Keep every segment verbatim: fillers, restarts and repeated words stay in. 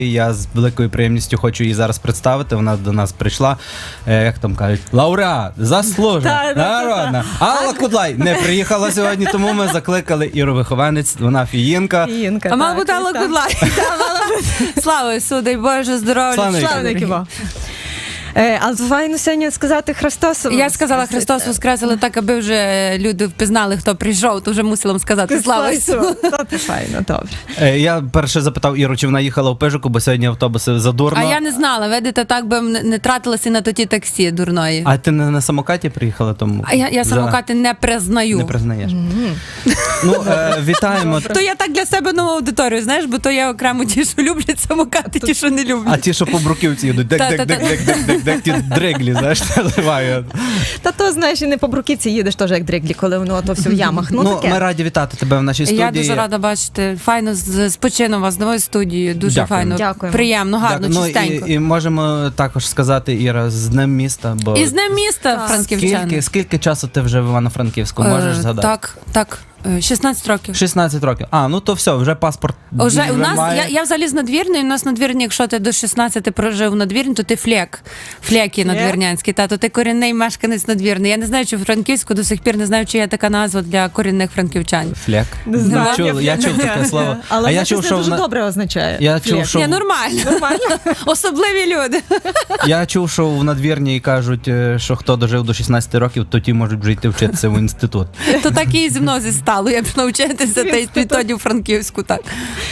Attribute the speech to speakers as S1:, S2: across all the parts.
S1: Я з великою приємністю хочу її зараз представити. Вона до нас прийшла, е, як там кажуть, лауреат, заслужена, народна. Алла Кудлай не приїхала сьогодні, тому ми закликали Іру Вихованець, вона фіїнка.
S2: Фіїнка,
S3: А мабуть, Алла Кудлай. Слава Ісу, дай Боже, здоров'я.
S1: Слава
S2: Е, а файно сьогодні сказати Христос.
S3: Я сказала Христос воскрес, але так, аби вже люди впізнали, хто прийшов, то вже мусила вам сказати Слава Ісу.
S2: Це файно, добре.
S1: Е, я перше запитав Іру, чи вона їхала в Пижику, бо сьогодні автобуси задурно.
S3: А я не знала, видите, так би не, не тратилася на тоді таксі дурної.
S1: А ти не на самокаті приїхала тому?
S3: А я, я самокати не признаю.
S1: Не признаєш. Mm-hmm. Ну, е, вітаємо.
S3: То я так для себе нову аудиторію, знаєш, бо то я окремо ті, що люблять самокати, ті, що не люблять.
S1: А ті, що по Бруківці їдуть, дек-дек-дек-дек-дек-дек, ті дриглі, знаєш, наливають.
S2: Та то, знаєш, і не по Бруківці їдеш теж як дриглі, коли воно то все в ямах. Ну,
S1: Ну,
S2: таке.
S1: ми раді вітати тебе в нашій студії.
S3: Я дуже рада бачити. Файно з з почином вас, з новою студією. Дуже
S1: Дякую.
S3: файно.
S2: Дякуємо.
S3: Приємно, гарно,
S1: Так, ну,
S3: чистенько.
S1: і, і можемо також сказати, Іра, з Днем міста. Бо
S3: І з Днем міста,
S2: Так.
S3: франківчани.
S1: скільки, скільки часу ти вже в Івано-Франківську, можеш
S3: Е,
S1: згадати?
S3: Так, так. Е, шістнадцять років.
S1: шістнадцять років. А, ну то все, вже паспорт.
S3: Уже у нас,
S1: має.
S3: я, я взагалі з надвірної, у нас надвірні, якщо ти до шістнадцяти прожив у надвірні, то ти флек, флекі надвірнянські, та, то ти корінний мешканець надвірний. Я не знаю, чи в Франківську до сих пір не знаю, чи є така назва для корінних франківчан.
S1: Флек.
S2: знаю.
S1: Чув, я чув таке слово.
S2: Але
S1: а я
S2: це
S1: чув, що
S2: дуже
S1: в,
S2: добре означає.
S1: Я чув,
S2: Флек.
S1: що
S3: Ні,
S1: в-
S3: нормально.
S2: Нормально.
S3: Особливі люди.
S1: я чув, що в надвірні кажуть, е, що хто дожив до шістнадцяти років, то ті можуть вже йти вчитися в інститут.
S3: То так і зі мною зі стало. Я б навчитися та й відтоді у Франківську, так.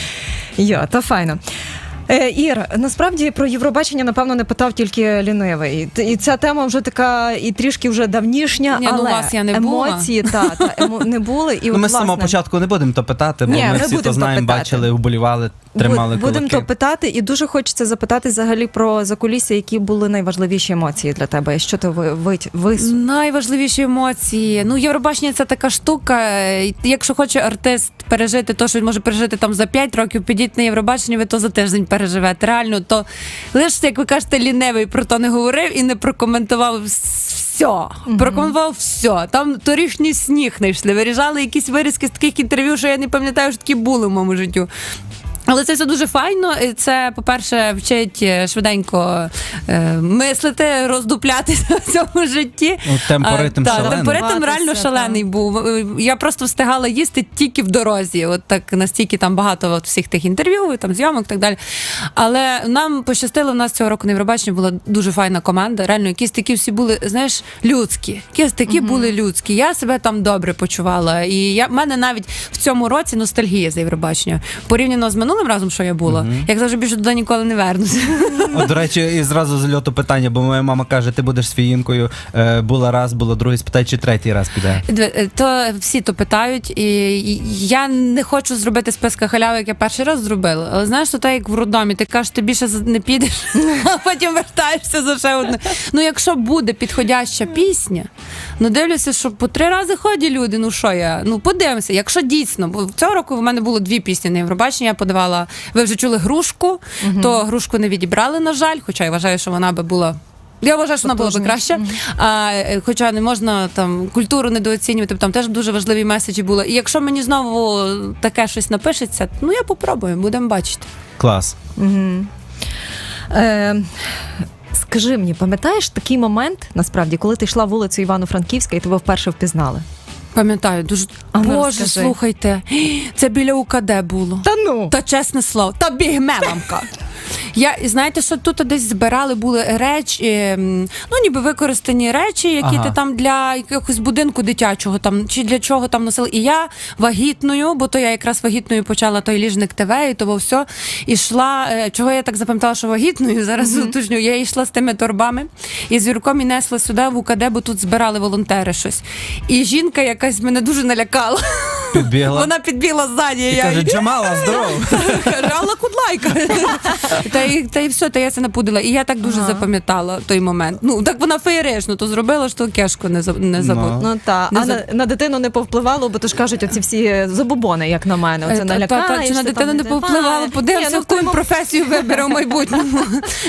S2: Йо, то файно. Е, Ір, насправді про Євробачення, напевно, не питав тільки лінивий. Т- І ця тема вже така, і трішки вже давнішня,
S3: Ні, ну,
S2: але
S3: у вас я не була.
S2: емоції та, та, емо, не були. І
S1: Ну,
S2: от,
S1: ми з самого
S2: власне,
S1: початку не будемо то питати, бо
S2: Ні,
S1: ми
S2: не
S1: всі
S2: будемо
S1: то
S2: то
S1: знаємо,
S2: питати.
S1: бачили, вболівали, тримали
S2: Буд- Будемо
S1: кулаки.
S2: то питати, і дуже хочеться запитати взагалі про закулісся, які були найважливіші емоції для тебе, і що ти ви, ви, ви...
S3: Найважливіші емоції. Ну, Євробачення – це така штука. і Якщо хоче артист пережити те, що він може пережити там за п'ять років, підіть на Євробачення, ви то за тиждень переживете. Реально, то лише, як ви кажете, лінивий про то не говорив і не прокоментував все. Mm-hmm. Прокоментував все. Там торішній сніг знайшли, виріжали якісь вирізки з таких інтерв'ю, що я не пам'ятаю, що такі були в моєму життю. Але це все дуже файно. І це, по-перше, вчить швиденько е, мислити, роздуплятися в цьому житті.
S1: Ну, темпоритм
S3: А, та,
S1: шалений.
S3: темпоритм реально
S2: Готуватися,
S3: шалений був. Я просто встигала їсти тільки в дорозі. От так настільки там багато от всіх тих інтерв'ю, там зйомок і так далі. Але нам пощастило, в нас цього року на Євробаченні була дуже файна команда. Реально, якісь такі всі були, знаєш, людські. Якісь такі угу. були людські. Я себе там добре почувала. І я, в мене навіть в цьому році ностальгія за Євробачення. Порівняно з минулим разом, що я була, uh-huh. як завжди більше туди ніколи не вернуся.
S1: От, до речі, і зразу з льоту питання, бо моя мама каже, ти будеш з фіїнкою, е, була раз, було другий, спитай, чи третій раз піде.
S3: То всі то питають, і я не хочу зробити списка халяви, як я перший раз зробила, але знаєш, то так, як в роддомі, ти кажеш, ти більше не підеш, а потім вертаєшся за ще одне. Ну, якщо буде підходяща пісня, ну, дивлюся, що по три рази ходять люди, ну, що я, ну, подивимося, якщо дійсно, бо цього року в мене було дві пісні на Євробачення, я подавала, ви вже чули «Грушку», uh-huh. то «Грушку» не відібрали, на жаль, хоча я вважаю, що вона би була Я вважаю, що вона була б краще. Mm-hmm. А, хоча не можна там культуру недооцінювати, там теж дуже важливі меседжі були. І якщо мені знову таке щось напишеться, ну я попробую, будемо бачити.
S1: Клас.
S2: Mm-hmm. Е, скажи мені, пам'ятаєш такий момент, насправді, коли ти йшла вулицею Івано-Франківська і тебе вперше впізнали?
S3: Пам'ятаю, дуже...
S2: А, ну,
S3: Боже,
S2: розкажи.
S3: слухайте, це біля УКД було.
S2: Та ну!
S3: Та чесне слово, та бігмеламка. Я, знаєте, що тут десь збирали були речі, ну ніби використані речі, які
S1: ага.
S3: ти там для якогось будинку дитячого там, чи для чого там носили. І я вагітною, бо то я якраз вагітною почала той ліжник ТВ і того все, ішла, чого я так запам'ятала, що вагітною, зараз mm-hmm. уточню, я йшла з тими торбами і з Юрком і несла сюди в УКД, бо тут збирали волонтери щось. І жінка якась мене дуже налякала.
S1: Підбігла.
S3: Вона підбігла ззаді.
S1: І
S3: я...
S1: каже, Джамала, здоров.
S3: Каже, Алла Кудлайка. Та й, та й все, та я це напудила. І я так дуже
S2: Ага.
S3: запам'ятала той момент. Ну, так вона феєрично то зробила, що кешку не, за- не забула.
S2: Ну та
S3: Не
S2: а
S3: за-
S2: на, на дитину не повпливало, бо то ж кажуть, оці всі забобони, як на мене. Оце
S3: Е, та- та-
S2: налякаєшся.
S3: Чи на
S2: там
S3: дитину не
S2: давай.
S3: повпливало?
S2: Ні,
S3: Подивимося,
S2: ну, в
S3: яку він
S2: тому-
S3: професію вибере в майбутньому.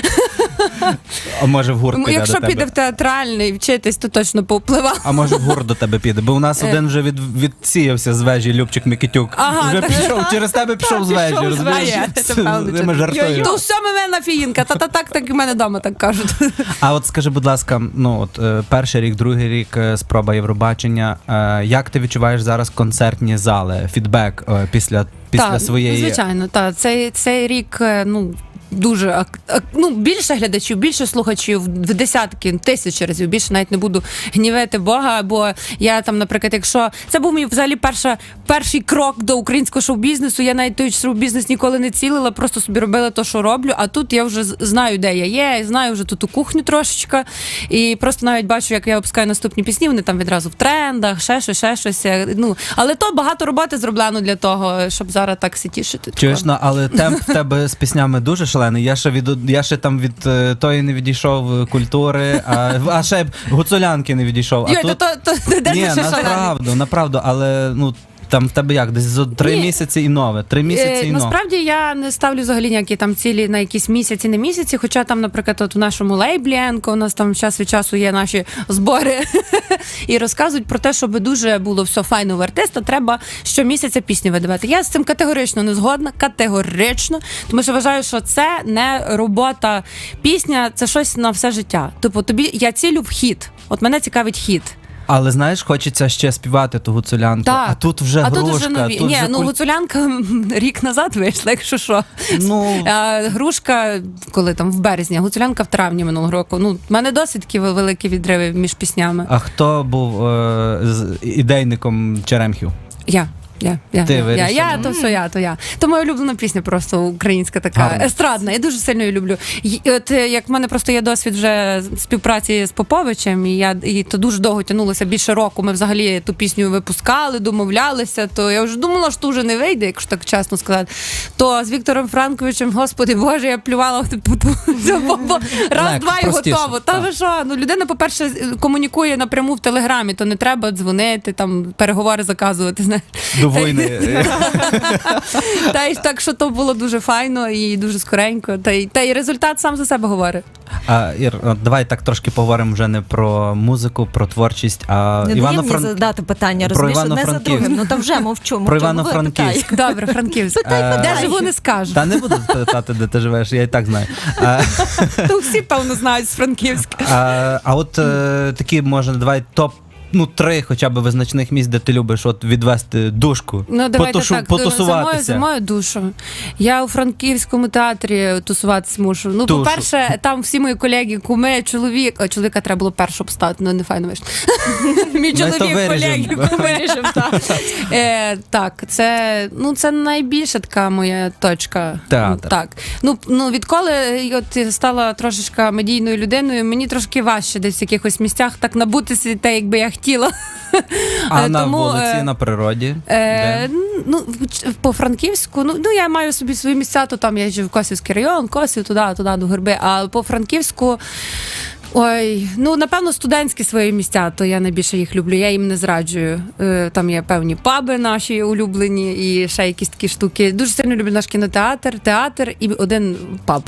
S1: А може в гурт піде
S3: Якщо
S1: до тебе?
S3: піде в театральний вчитись, то точно повпливало.
S1: А може в гурт до тебе піде? Бо у нас один вже від, відсіявся з вежі Любчик Микитюк.
S3: Ага,
S1: вже
S3: так.
S1: пішов, через тебе пішов з вежі,
S3: пішов з
S1: розумієш?
S3: вежі, це правда.
S1: Ми жартуємо.
S3: То все мене фіїнка, та та так, так і в мене вдома так кажуть.
S1: А от скажи, будь ласка, ну от е, перший рік, другий рік, е, спроба Євробачення. Е, як ти відчуваєш зараз концертні зали, фідбек е, після, після
S3: Так,
S1: своєї...
S3: звичайно, так. Цей, цей рік, е, ну. Дуже ак- ак- ну, більше глядачів, більше слухачів, в десятки, тисячі разів. Більше навіть не буду гнівити Бога, бо я там, наприклад, якщо це був мій взагалі перша, перший крок до українського шоу-бізнесу, я навіть той шоу-бізнес ніколи не цілила, просто собі робила те, що роблю. А тут я вже з- знаю, де я є, знаю вже тут у кухню трошечка. І просто навіть бачу, як я опускаю наступні пісні, вони там відразу в трендах, ще щось, ще щось. Ну, але то багато роботи зроблено для того, щоб зараз так се тішити.
S1: Чуєш, ну, але темп в тебе з піснями дуже шалений. Я ще від я ще там від е, тої не відійшов е, культури, а, а ще гуцулянки не відійшов. А
S3: Йой,
S1: тут...
S3: то, то, то, де
S1: Ні,
S3: ти ще шалений?
S1: направду, направду, але ну там в тебе як? Десь за три
S3: Ні.
S1: місяці і нове. Три місяці
S3: Е,
S1: і нове.
S3: Насправді я не ставлю взагалі ніякі там цілі на якісь місяці, не місяці. Хоча там, наприклад, от у нашому лейблі Енко у нас там час від часу є наші збори і розказують про те, щоб дуже було все файно в артиста, треба щомісяця пісні видавати. Я з цим категорично не згодна, категорично, тому що вважаю, що це не робота. Пісня це щось на все життя. Тобто тобі я цілю в хіт. От мене цікавить хіт.
S1: Але знаєш, хочеться ще співати ту гуцулянку.
S3: Так.
S1: А тут вже
S3: А
S1: грушка.
S3: тут вже нові.
S1: Тут
S3: Ні,
S1: вже
S3: ну
S1: куль-
S3: гуцулянка м, рік назад вийшла, якщо що.
S1: Ну,
S3: А, грушка, коли там в березні, а гуцулянка в травні минулого року. Ну, в мене досить такі великі відриви між піснями.
S1: а хто був е, з ідейником Черемхів?
S3: Я. Я, я,
S1: Ти
S3: я, я,
S1: вирішила?
S3: я, то все я, то я. То моя улюблена пісня просто українська така,
S1: Гарно.
S3: естрадна. Я дуже сильно її люблю. І, от, е, як в мене просто є досвід вже співпраці з Поповичем, і я і то дуже довго тягнулося, більше року. Ми взагалі ту пісню випускали, домовлялися, то я вже думала, що вже не вийде, якщо так чесно сказати. То з Віктором Франковичем, господи Боже, я плювала типу, ту- цю Попо- раз,
S1: Легко,
S3: два і
S1: простіше,
S3: готово. Та
S1: так.
S3: ви що? Ну, людина, по-перше, комунікує напряму в Телеграмі, то не треба дзвонити, там переговори заказувати. Знаєш.
S1: До війни.
S3: Та й так, що то було дуже файно і дуже скоренько. Та й та й результат сам за себе говорить.
S1: А, Ір, от давай так трошки поговоримо вже не про музику, про творчість, а
S2: Не дає мені
S1: Івано-Фран...
S2: задати питання,
S1: Про
S2: розумієш, одне за
S1: Івано-Франківськ.
S2: другим. Ну та вже мовчу, мовчу.
S1: Про
S2: говори,
S1: Івано-Франківськ.
S2: питай.
S3: Добре, Франківськ.
S1: Е,
S3: Де живу, не скажу.
S1: Та не буду питати, де ти живеш, я і так знаю. А,
S3: То всі, певно, знають з Франківська.
S1: а, а от е, такі, може, давай топ, ну, три хоча б визначних місць, де ти любиш от відвести душку,
S3: Ну, давайте
S1: потушу-
S3: так, за мою,
S1: потусуватися.
S3: за мою душу. Я у Франківському театрі тусуватися мушу. Ну,
S1: Тушу.
S3: по-перше, там всі мої колеги, куми, чоловік. О, чоловіка треба було першу обстати, ну не файно вийшло. Мій
S1: то
S3: чоловік,
S1: виріжемо.
S3: колеги, куми. Е, так, це, ну, це найбільша така моя точка.
S1: Театр.
S3: Ну, так. Ну, ну, відколи от я стала трошечка медійною людиною, мені трошки важче десь в якихось місцях так набутися те, якби я хотіла.
S1: А
S3: Е,
S1: на
S3: тому,
S1: вулиці,
S3: е,
S1: на природі?
S3: Е,
S1: Де?
S3: ну, в- по Франківську, ну, ну я маю собі свої місця, то там я їжджу в Косівський район, Косів, туди, туди, до Горби. А по Франківську, ой, ну напевно, студентські свої місця, то я найбільше їх люблю. Я їм не зраджую. Е, там є певні паби наші улюблені і ще якісь такі штуки. Дуже сильно люблю наш кінотеатр, театр і один паб.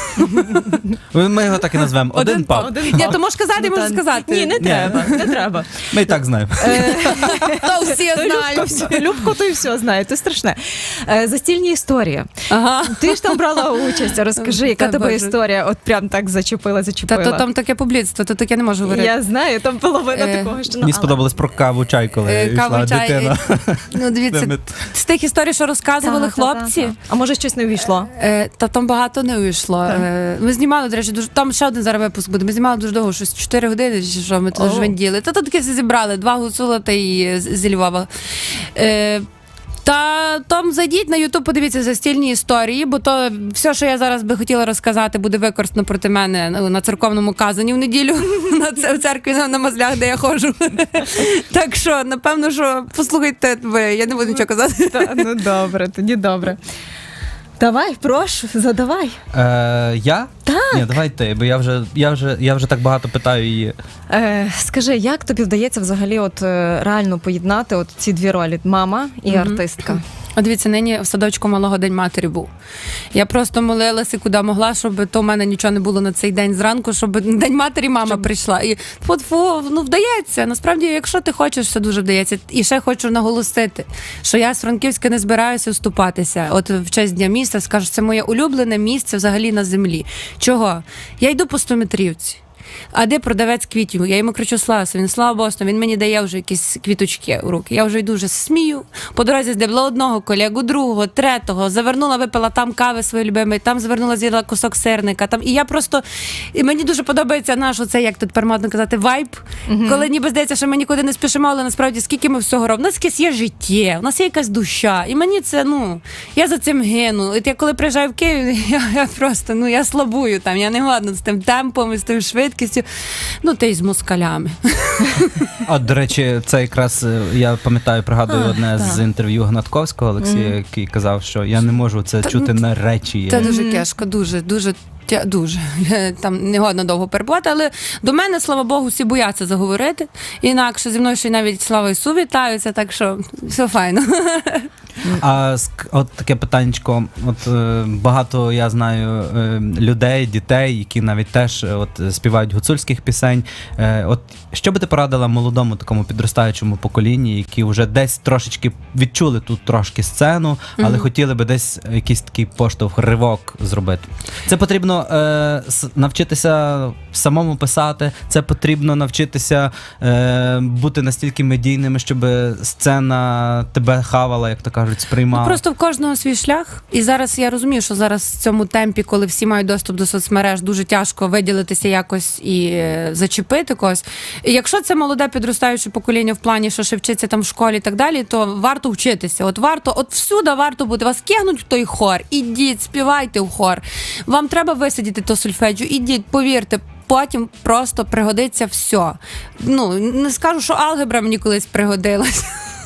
S1: Ми його так і назвемо. Один паб.
S3: Ні, то можеш сказати, можеш сказати.
S2: Ні, не треба, не треба.
S1: Ми і так знаємо.
S3: То всі
S2: Любко,
S3: знають.
S2: все- Любко, то і все знає, це страшне. Е, Застільні історії.
S3: Ага.
S2: Ти ж там брала участь, розкажи, яка
S3: Та
S2: тебе
S3: Боже.
S2: історія от прям так зачепила,
S3: Та
S2: зачепила.
S3: то там таке публіцтво, то таке не можу говорити.
S2: Я знаю, там половина
S3: Е,
S2: такого, що... ну,
S1: Мені
S2: але-
S1: сподобалось про каву чай, коли
S3: Е,
S1: йшла
S3: каву, чай,
S1: дитина.
S3: Ну, дивіться,
S1: Ми-
S3: з тих історій, що розказували
S2: Та, та, та,
S3: хлопці,
S2: та. А може щось не увійшло?
S3: е, та там багато не вийшло.
S2: Так.
S3: Е, ми знімали, до речі, дуже там ще один зараз випуск буде. Ми знімали дуже довго, щось чотири години, чи що ми тут
S2: О.
S3: жвенділи. Та то таке все зібрали, два гуцула та і з- зі Львова. Е, Та там зайдіть на Ютуб, подивіться застільні історії, бо то все, що я зараз би хотіла розказати, буде використано проти мене ну, на церковному казані в неділю на це- в церкві на, на мазлях, де я ходжу. Так що, напевно, що послухайте ви, я не буду нічого казати.
S2: Та, ну добре, тоді добре. Давай, прошу, задавай.
S1: Е, я?
S2: Так.
S1: Ні, давай ти, бо я вже, я вже, я вже так багато питаю її.
S2: Е, скажи, як тобі вдається взагалі от е, реально поєднати от ці дві ролі: мама і
S3: Мгм.
S2: артистка?
S3: От дивіться, нині в садочку малого День матері був. Я просто молилася, куди могла, щоб то в мене нічого не було на цей день зранку, щоб День матері мама
S2: Щоб-
S3: прийшла. І фу, ну вдається. Насправді, якщо ти хочеш, все дуже вдається. І ще хочу наголосити, що я з Франківська не збираюся вступатися. От в честь Дня міста скажу, це моє улюблене місце взагалі на землі. Чого? Я йду по стометрівці. А де продавець квітів? Я йому кричу: Слався, він слава Богу, він мені дає вже якісь квіточки у руки. Я вже йду, вже смію. По дорозі здебла одного колегу, другого, третього, завернула, випила там кави свої любимі, там завернула, з'їла кусок сирника. Там. І я просто, і мені дуже подобається наш, оце, як тут тепер модно казати, вайб,
S2: Мгм.
S3: коли ніби здається, що ми нікуди не спішимо, але насправді скільки ми всього робимо. У нас якесь є життя, у нас є якась душа. І мені це, ну, я за цим гину. От я коли приїжджаю в Київ, я, я просто, ну, я слабую там, я не годна з тим темпом, і з тим швидкістю. Ну, та й з москалями.
S1: От, до речі, це якраз е, я пам'ятаю, пригадую
S3: А,
S1: одне
S3: так.
S1: з інтерв'ю Гнатковського Олексія,
S3: Мгм.
S1: який казав, що я не можу це
S3: Та,
S1: чути
S3: ну,
S1: на речі.
S3: Це
S1: Є.
S3: дуже
S2: Мгм.
S3: тяжко, дуже, дуже. тя- Дуже там не годно довго перебувати, але до мене, слава Богу, всі бояться заговорити. Інакше зі мною ще й навіть Слава Ісу вітаються, так що все файно.
S1: А ск- от таке питаннячко, от е, багато я знаю е, людей, дітей, які навіть теж е, от співають гуцульських пісень. Е, от що би ти порадила молодому такому підростаючому поколінні, які вже десь трошечки відчули тут трошки сцену, але
S3: Мгм.
S1: хотіли би десь якийсь такий поштовх, ривок зробити? Це потрібно е, с- навчитися самому писати, це потрібно навчитися е, бути настільки медійними, щоб сцена тебе хавала, як то кажуть, сприймала.
S3: Ну, просто в кожного свій шлях. І зараз я розумію, що зараз в цьому темпі, коли всі мають доступ до соцмереж, дуже тяжко виділитися якось і е, зачепити когось. І якщо це молоде підростаюче покоління в плані, що ще вчиться там в школі і так далі, то варто вчитися. От варто, от всюди варто бути. Вас кинуть в той хор, ідіть, співайте в хор. Вам треба висидіти то сольфеджіо, ідіть, повірте. Потім просто пригодиться все. Ну, не скажу, що алгебра мені колись пригодилась.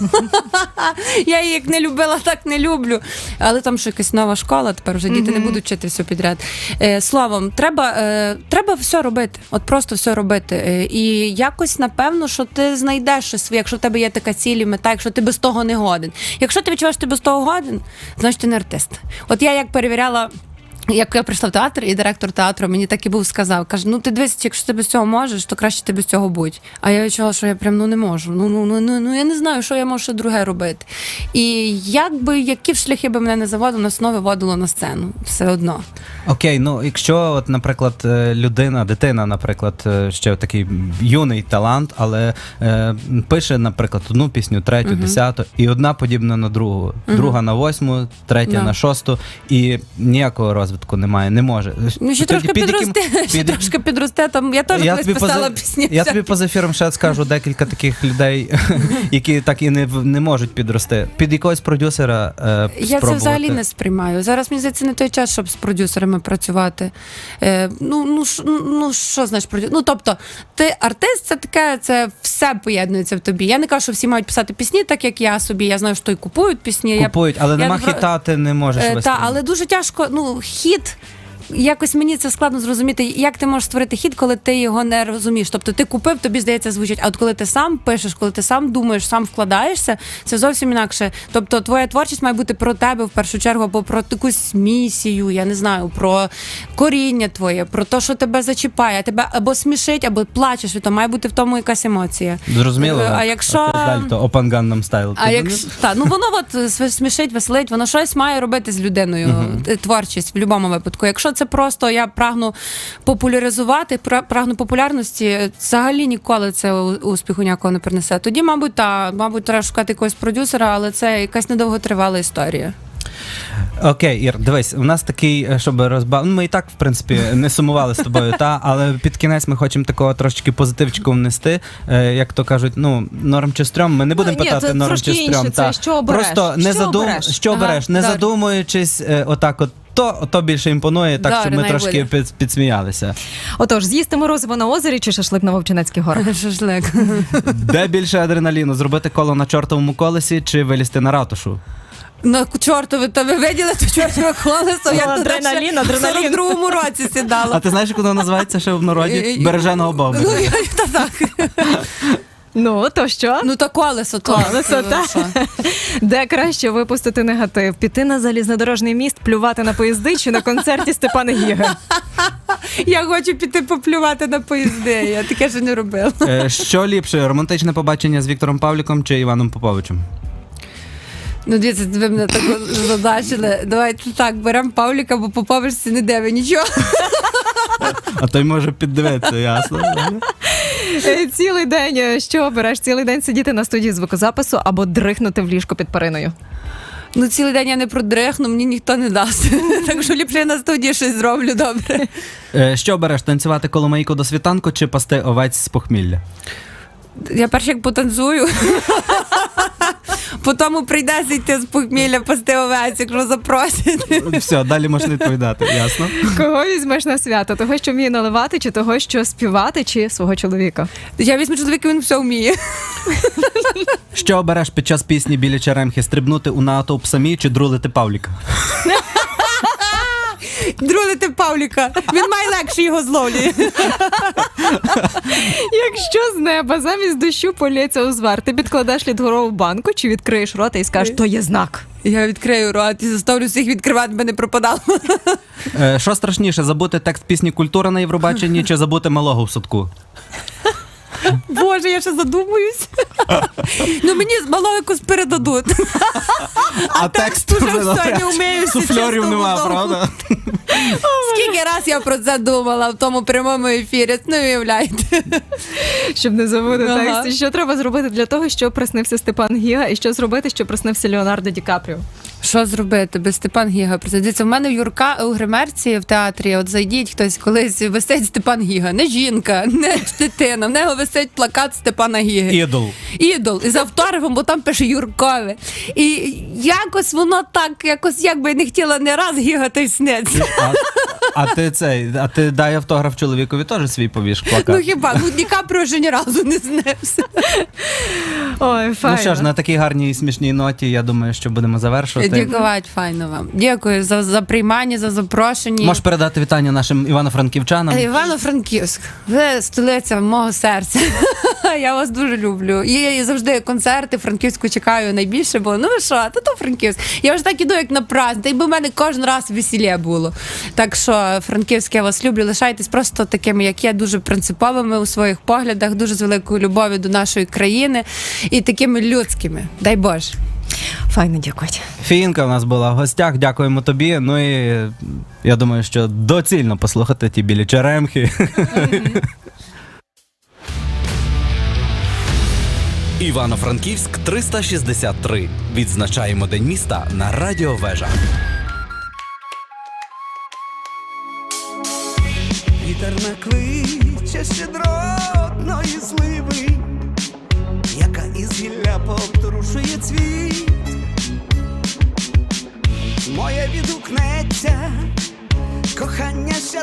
S3: Я її як не любила, так не люблю. Але там що якась нова школа, тепер вже діти не
S2: Мгм.
S3: будуть вчити все підряд. Е, словом, треба, е, треба все робити. От просто все робити. Е, і якось, напевно, що ти знайдеш щось своє, якщо в тебе є така ціль і мета, якщо ти без того не годен. Якщо ти відчуваєш, що ти без того годен, значить ти не артист. От я як перевіряла. Як я прийшла в театр, і директор театру мені так і був сказав, каже: ну ти дивись, якщо ти без цього можеш, то краще ти без цього будь. А я відчула, що я прям ну не можу. Ну ну ну ну, ну я не знаю, що я можу ще друге робити. І якби які б шляхи би мене не заводили, нас знову виводило на сцену. Все одно.
S1: Окей, ну якщо, от, наприклад, е, людина, дитина, наприклад, е, ще такий юний талант, але е, пише, наприклад, одну пісню, третю,
S3: Мгм.
S1: десяту, і одна подібна на другу,
S3: Мгм.
S1: друга на восьму, третя
S3: Да.
S1: на шосту, і ніякого розвитку немає, не може.
S3: Ну ще
S1: Тоді
S3: трошки
S1: під яким-
S3: підросте, ще
S1: під-
S3: трошки підросте. Там я теж
S1: Я
S3: колись
S1: тобі
S3: писала
S1: поза-
S3: пісні.
S1: Я тобі поза ефіром ще скажу декілька таких людей, які так і не, в- не можуть підрости. Під якогось продюсера е,
S3: Я це
S1: спробувати.
S3: взагалі не сприймаю. Зараз мені здається, не той час, щоб з продюсерами працювати. Е, ну, ну, ш- ну що значить продюсер? Ну, тобто, ти артист, це таке, це все поєднується в тобі. Я не кажу, що всі мають писати пісні, так як я собі. Я знаю, що і купують пісні. Я
S1: Купують, але
S3: я
S1: нема
S3: про-
S1: хіта, ти не можеш
S3: Е,
S1: вести.
S3: та, але дуже тяжко, ну, хіт. Якось мені це складно зрозуміти, як ти можеш створити хіт, коли ти його не розумієш. Тобто ти купив, тобі здається, звучить. А от коли ти сам пишеш, коли ти сам думаєш, сам вкладаєшся, це зовсім інакше. Тобто твоя творчість має бути про тебе в першу чергу, або про якусь місію, я не знаю, про коріння твоє, про те, що тебе зачіпає, тебе або смішить, або плачеш, і то має бути в тому якась емоція.
S1: Зрозуміло.
S3: Е, а якщо-
S1: Далі, то Open Gangnam Style.
S3: А
S1: Ти
S3: як
S1: не-
S3: та ну воно от св- смішить, веселить, воно щось має робити з людиною. Е, Творчість в будь-якому випадку. Якщо це просто я прагну популяризувати, пра- прагну популярності, взагалі ніколи це у- успіху ніякого не принесе. Тоді, мабуть, та мабуть, треба шукати якогось продюсера, але це якась недовготривала історія.
S1: Окей, Ір, дивись, у нас такий, е, щоб розбав... Ну, ми і так, в принципі, не сумували з тобою, та, але під кінець ми хочемо такого трошечки позитивчику внести. Е, як то кажуть, ну, норм чи стрьом, ми не будемо
S2: ні,
S1: питати
S2: це
S1: норм
S2: трошки
S1: чи стрьом.
S2: інше, це що обереш?
S1: Просто не
S2: Що
S1: задум...
S2: обереш?
S1: що
S3: Ага,
S1: обереш, не
S3: добре.
S1: задумуючись, е, отак от, то, то більше імпонує, так,
S3: Добре,
S1: щоб ми
S3: най
S1: трошки
S3: буде.
S1: під, підсміялися.
S2: Отож, з'їсти морозиво на озері чи шашлик на Вовчинецьких горах?
S3: Шашлик.
S1: Де більше адреналіну? Зробити коло на чортовому колесі чи вилізти на ратушу?
S3: На чортове, то ви виділи то чортове колесо, як туди
S2: адреналін,
S3: ще
S2: адреналін.
S3: в сорок другому році сідало.
S1: А ти знаєш, як воно називається ще в народі? Береженого Бога.
S3: Ну, я- та так.
S2: Ну, то що?
S3: Ну, то колесо, то.
S2: Колесо,
S3: Ну,
S2: так.
S3: що?
S2: Де краще випустити негатив? Піти на залізнодорожний міст, плювати на поїзди чи на концерті Степана Гіги?
S3: Я хочу піти поплювати на поїзди, я таке ще не робила.
S1: Е, Що ліпше, романтичне побачення з Віктором Павліком чи Іваном Поповичем?
S3: Ну, дивіться, ви мене так задачили. Давайте так, беремо Павліка, бо по поверсі не диви нічого.
S1: А той може піддивитися, ясно?
S2: Е, Цілий день, е, що обереш? Цілий день сидіти на студії звукозапису або дрихнути в ліжко під периною?
S3: Ну, цілий день я не продрихну, мені ніхто не дасть. Так що ліпше я на студії щось зроблю добре.
S1: Е, Що обереш, танцювати коломийку до світанку чи пасти овець з похмілля?
S3: Я перш як потанцюю. Потім прийдеться йти з похмілля пасти овець, якщо запросять.
S1: Все, далі можна відповідати, ясно?
S2: Кого візьмеш на свято? Того, що вміє наливати, чи того, що співати, чи свого чоловіка?
S3: Я візьму чоловіка, він все вміє.
S1: Що обереш під час пісні біля черемхи, стрибнути у натовп самі чи друлити Павліка?
S3: Друлити Павліка. Він має легше його зловлює.
S2: Якщо з неба замість дощу полється узвар, ти підкладеш лідгорову банку чи відкриєш рота і скажеш, то є знак?
S3: Я відкрию рот і заставлю всіх відкривати, би не пропадало.
S1: Е, Що страшніше, забути текст пісні «Культура» на Євробаченні чи забути малого в садку?
S3: Боже, я ще задумуюсь. Ну мені з малого якось передадуть.
S1: А
S3: текст уже все не вмію.
S1: Суфльорів нема, правда?
S3: Скільки раз я про це думала в тому прямому ефірі, не уявляєте.
S2: Щоб не забути
S3: Ага.
S2: текст. Що треба зробити для того, щоб приснився Степан Гіга, і що зробити, щоб приснився Леонардо Ді Капріо?
S3: Що зробити без Степан Гіга? Дивіться, в мене в Юрка у гримерці в театрі, от зайдіть хтось, колись висить Степан Гіга. Не жінка, не дитина, в нього висить плакат Степана Гіги.
S1: Ідол.
S3: Ідол. І з автографом, бо там пише Юркове. І якось воно так, якось якби не хотіла не раз гігати й сниться.
S1: А, а ти цей, а ти дай автограф чоловікові теж свій повіш плакат.
S3: Ну хіба, ну Ді Капріо вже ні разу не снився.
S2: Ой, файно.
S1: Ну що ж, на такій гарній і смішній ноті, я думаю, що будемо завершувати.
S3: Дякувати, файно вам. Дякую за, за приймання, за запрошення.
S1: Можеш передати вітання нашим івано-франківчанам.
S3: Івано-Франківськ, ви столиця мого серця. Я вас дуже люблю. І я завжди концерти Франківську чекаю найбільше, бо ну ви що, то то Франківськ. Я вже так іду, як на праздник, та й би в мене кожен раз весілля було. Так що, Франківськ, я вас люблю. Лишайтесь просто такими, як я, дуже принциповими у своїх поглядах, дуже з великою любов'ю до нашої країни і такими людськими. Дай Боже.
S2: Файно, дякую.
S1: Фінка в нас була в гостях, дякуємо тобі. Ну і я думаю, що доцільно послухати ті білі черемхи.
S4: Івано-Франківськ триста шістдесят три. Відзначаємо День міста на Радіо Вежа.
S5: Вітер накличе щедротної сливи, яка із гілля повторушує цвіт. Моє відгукнеться, кохання щасливе.